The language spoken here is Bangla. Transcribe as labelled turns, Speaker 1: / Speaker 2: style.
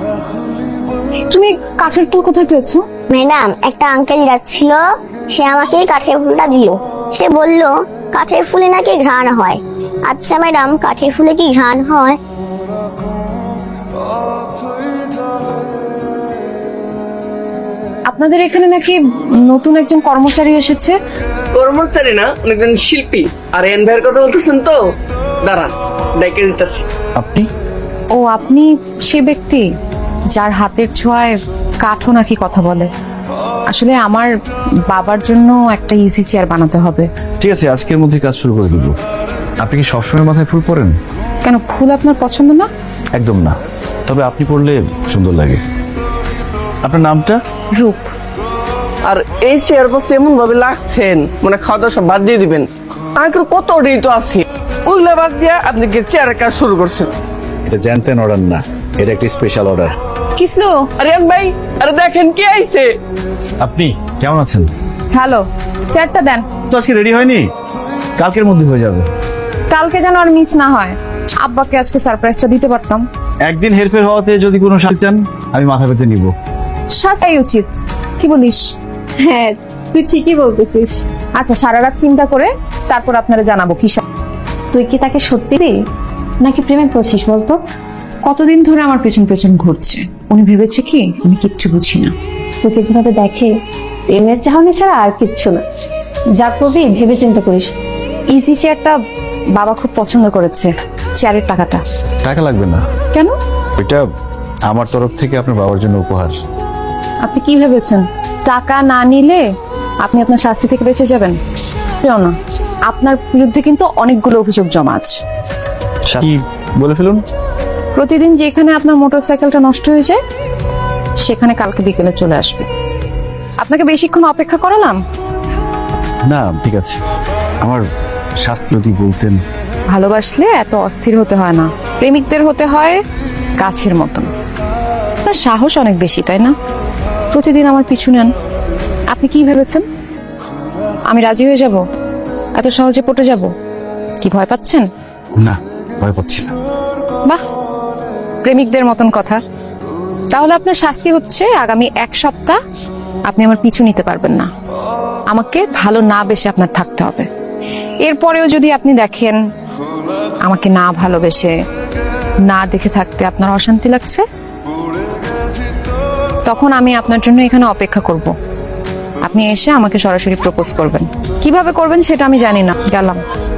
Speaker 1: তুমি কাঠের ফুল কোথায় পেয়েছো?
Speaker 2: ম্যাডাম, একটা আঙ্কেল যাচ্ছিল, সে আমাকে কাঠের ফুলটা দিল। সে বলল কাঠের ফুলে নাকি ঘ্রাণ হয়। আচ্ছা ম্যাডাম, কাঠের ফুলে কি ঘ্রাণ হয়?
Speaker 1: আপনাদের এখানে নাকি নতুন একজন কর্মচারী এসেছে।
Speaker 3: কর্মচারী না, অনেকজন শিল্পী। আর এন ভাইয়ের কথা বলতেছেন তো? দাঁড়ান, ডাইকে দিতেছি।
Speaker 4: আপনি?
Speaker 1: ও, আপনি সে ব্যক্তি যার হাতের ছোঁয়ায় কাঠও নাকি কথা বলে। আসলে আমার বাবার জন্য একটা ইজি চেয়ার বানাতে হবে।
Speaker 4: ঠিক আছে, আজকের মধ্যে কাজ শুরু করে দিব। আপনি কি সবসময় মাথায় ফুল পরেন?
Speaker 1: কেন, ফুল আপনার পছন্দ না?
Speaker 4: একদম না, তবে আপনি পরলে সুন্দর লাগে। আপনার নামটা?
Speaker 1: রূপ।
Speaker 3: আর এই চেয়ার বসে এমন ভাবে লাগছেন মানে খাওয়া দাওয়া সব বাদ দিয়ে দিবেন। আঙ্কেল কত অর্ডারই তো আছে, ওইগুলো বাদ দিয়ে আপনি কি চেয়ারের কাজ শুরু করছেন?
Speaker 4: এটা জানতেন অর্ডার না, এটা একটা স্পেশাল অর্ডার।
Speaker 1: কিসলো?
Speaker 3: আরে এন ভাই, আরে দেখেন কে আইছে।
Speaker 4: আপনি কেমন আছেন?
Speaker 1: হ্যালো, চেয়ারটা দেন।
Speaker 4: তো আজকে রেডি হয়নি, কালকের মধ্যে হয়ে যাবে।
Speaker 1: কালকে যেন আর মিস না হয়। আব্বাকে আজকে সারপ্রাইজটা দিতে পারতাম।
Speaker 4: একদিন হেরফের হওয়াতে যদি কোনো সাথে চান, আমি মাথা পেতে নিব।
Speaker 1: শাস্তাই উচিত, কি বলিস? হ্যাঁ, তুই ঠিকই বলতেছিস। আচ্ছা, সারা রাত চিন্তা করে তারপর আপনারা জানাবো কি।
Speaker 5: তুই কি তাকে সত্যি নাকি প্রেমে পড়ছিস বলতো?
Speaker 1: কতদিন ধরে আমার পেছন পেছন ঘুরছে। উনি ভেবেছে কি আমি কিচ্ছু বুঝি না।
Speaker 5: তোকে যেভাবে দেখে প্রেমের চাহনি ছাড়া আর কিচ্ছু না। যা করবি ভেবে চিন্তা করিস।
Speaker 1: ইজি চেয়ারটা বাবা খুব পছন্দ করেছে। চেয়ারের টাকাটা?
Speaker 4: টাকা লাগবে না।
Speaker 1: কেন?
Speaker 4: এটা আমার তরফ থেকে আপনার বাবার জন্য উপহার।
Speaker 1: আপনি কি ভেবেছেন টাকা না নিলে আপনি আপনার শাস্তি থেকে বেঁচে যাবেন? কেউ না, আপনার বিরুদ্ধে কিন্তু অনেকগুলো অভিযোগ জমা আছে।
Speaker 4: কি বলে ফেলুন।
Speaker 1: প্রতিদিন যেখানে আপনার মোটরসাইকেলটা নষ্ট হয়ে যায় সেখানে কালকে বিকেলে চলে আসবে। আপনাকে বেশিক্ষণ অপেক্ষা করালাম?
Speaker 4: না ঠিক আছে, আমার শাস্তি যদি বলতেন।
Speaker 1: ভালোবাসলে এত অস্থির হতে হয় না, প্রেমিকদের হতে হয় গাছের মতন। তার সাহস অনেক বেশি, তাই না? প্রতিদিন আমার পিছু নেন। আপনি কি ভেবেছেন আমি রাজি হয়ে যাব? এত সহজে পটে যাব? কি ভয় পাচ্ছেন?
Speaker 4: না, ভয় পাচ্ছি না।
Speaker 1: বাহ, প্রেমিকদের মতন কথা। তাহলে আপনার শাস্তি হচ্ছে আগামী 1 সপ্তাহ আপনি আমার পিছু নিতে পারবেন না। আমাকে ভালো না বেশে আপনার থাকতে হবে। এরপরেও যদি আপনি দেখেন আমাকে না ভালোবেসে না দেখে থাকতে আপনার অশান্তি লাগছে, তখন আমি আপনার জন্য এখানে অপেক্ষা করব। আপনি এসে আমাকে সরাসরি প্রপোজ করবেন। কিভাবে করবেন সেটা আমি জানি না। গেলাম।